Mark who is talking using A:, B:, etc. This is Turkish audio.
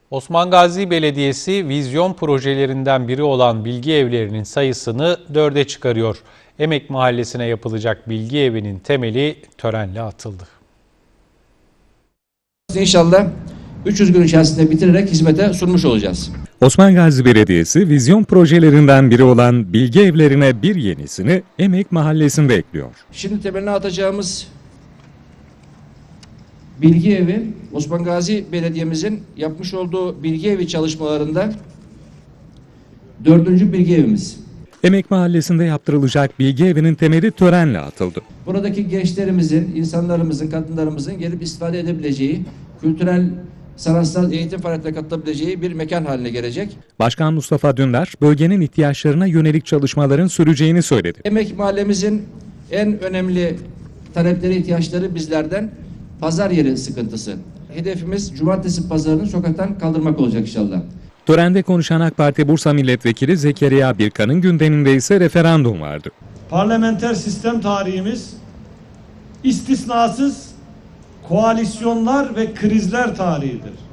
A: Osman Gazi Belediyesi vizyon projelerinden biri olan bilgi evlerinin sayısını 4'e çıkarıyor. Emek Mahallesi'ne yapılacak bilgi evinin temeli törenle atıldı.
B: İnşallah 300 gün içerisinde bitirerek hizmete sunmuş olacağız.
C: Osman Gazi Belediyesi vizyon projelerinden biri olan bilgi evlerine bir yenisini Emek Mahallesi'nde ekliyor.
B: Şimdi temelini atacağımız bilgi evi, Osman Gazi Belediye'mizin yapmış olduğu bilgi evi çalışmalarında 4. bilgi evimiz.
C: Emek Mahallesi'nde yaptırılacak bilgi evinin temeli törenle atıldı.
B: Buradaki gençlerimizin, insanlarımızın, kadınlarımızın gelip istifade edebileceği, kültürel, sanatsal eğitim faaliyetine katılabileceği bir mekan haline gelecek.
C: Başkan Mustafa Dündar, bölgenin ihtiyaçlarına yönelik çalışmaların süreceğini söyledi.
B: Emek Mahallemizin en önemli talepleri, ihtiyaçları bizlerden pazar yeri sıkıntısı. Hedefimiz cumartesi pazarını sokaktan kaldırmak olacak inşallah.
C: Törende konuşan AK Parti Bursa Milletvekili Zekeriya Birkan'ın gündeminde ise referandum vardı.
D: Parlamenter sistem tarihimiz istisnasız koalisyonlar ve krizler tarihidir.